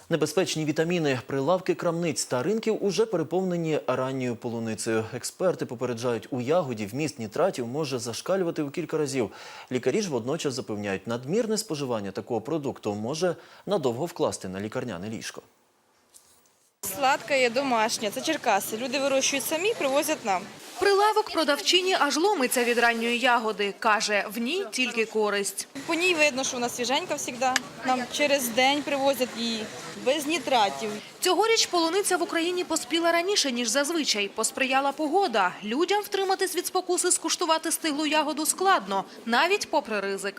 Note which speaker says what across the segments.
Speaker 1: Небезпечні вітаміни, прилавки крамниць та ринків уже переповнені ранньою полуницею. Експерти попереджають, у ягоді вміст нітратів може зашкалювати у кілька разів. Лікарі ж водночас запевняють, надмірне споживання такого продукту може надовго вкласти на лікарняне ліжко.
Speaker 2: Сладке, домашнє. Це Черкаси. Люди вирощують самі, привозять нам.
Speaker 3: Прилавок продавчині аж ломиться від ранньої ягоди. Каже, в ній тільки користь.
Speaker 2: По ній видно, що вона свіженька завжди. Нам через день привозять її, без нітратів.
Speaker 3: Цьогоріч полуниця в Україні поспіла раніше, ніж зазвичай. Посприяла погода. Людям втриматись від спокуси скуштувати стиглу ягоду складно, навіть попри ризик.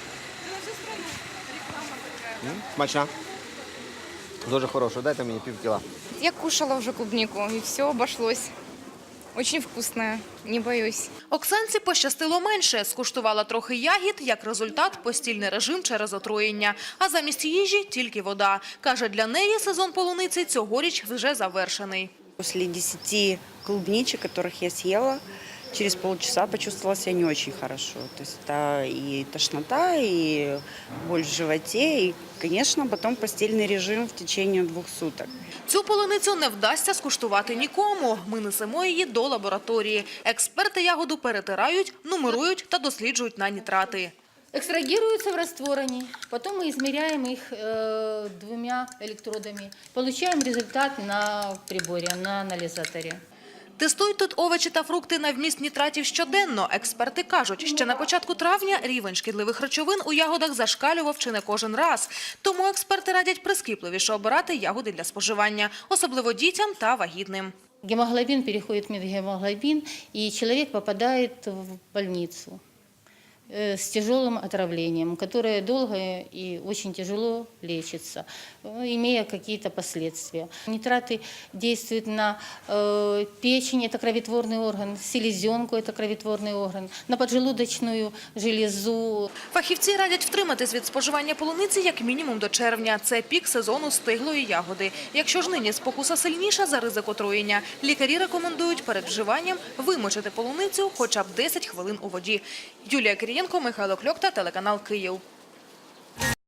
Speaker 4: Смачна. Дуже хороша. Дайте мені пів кіла.
Speaker 5: Я кушала уже клубнику, и все обошлось. Очень вкусная, не боюсь.
Speaker 3: Оксанці пощастило менше. Скуштувала трохи ягід, як результат – постільний режим через отруєння. А замість їжі – тільки вода. Каже, для неї сезон полуниці цьогоріч вже завершений.
Speaker 6: После 10 клубничек, которых я съела, через полчаса почувствовала себя не очень хорошо. То есть это и тошнота, и боль в животе, и, конечно, потом постельный режим в течение 2 суток.
Speaker 3: Цю полуницю не вдасться скуштувати нікому. Ми несемо її до лабораторії. Експерти ягоду перетирають, нумерують та досліджують на нітрати.
Speaker 7: Экстрагируются в растворе, потом мы измеряем их 2 электродами, получаем результат на приборе, на анализаторе.
Speaker 3: Тестують тут овочі та фрукти на вміст нітратів щоденно. Експерти кажуть, ще на початку травня рівень шкідливих речовин у ягодах зашкалював чи не кожен раз. Тому експерти радять прискіпливіше обирати ягоди для споживання, особливо дітям та вагітним.
Speaker 7: Гемоглобин переходит в метгемоглобин, и человек попадает в больницу с тяжелым отравлением, которое долго и очень тяжело лечится, имея какие-то последствия. Нитраты действуют на печень, это кроветворный орган, селезенку, это кроветворный орган, на поджелудочную железу.
Speaker 3: Фахівці радять втриматись від споживання полуниці як мінімум до червня. Це пік сезону стиглої ягоди. Якщо ж нині спокуса сильніша за ризик отруєння, лікарі рекомендують перед вживанням вимочити полуницю хоча б 10 хвилин у воді. Юлія Кирієнко, Михайло Кльокта, телеканал «Київ».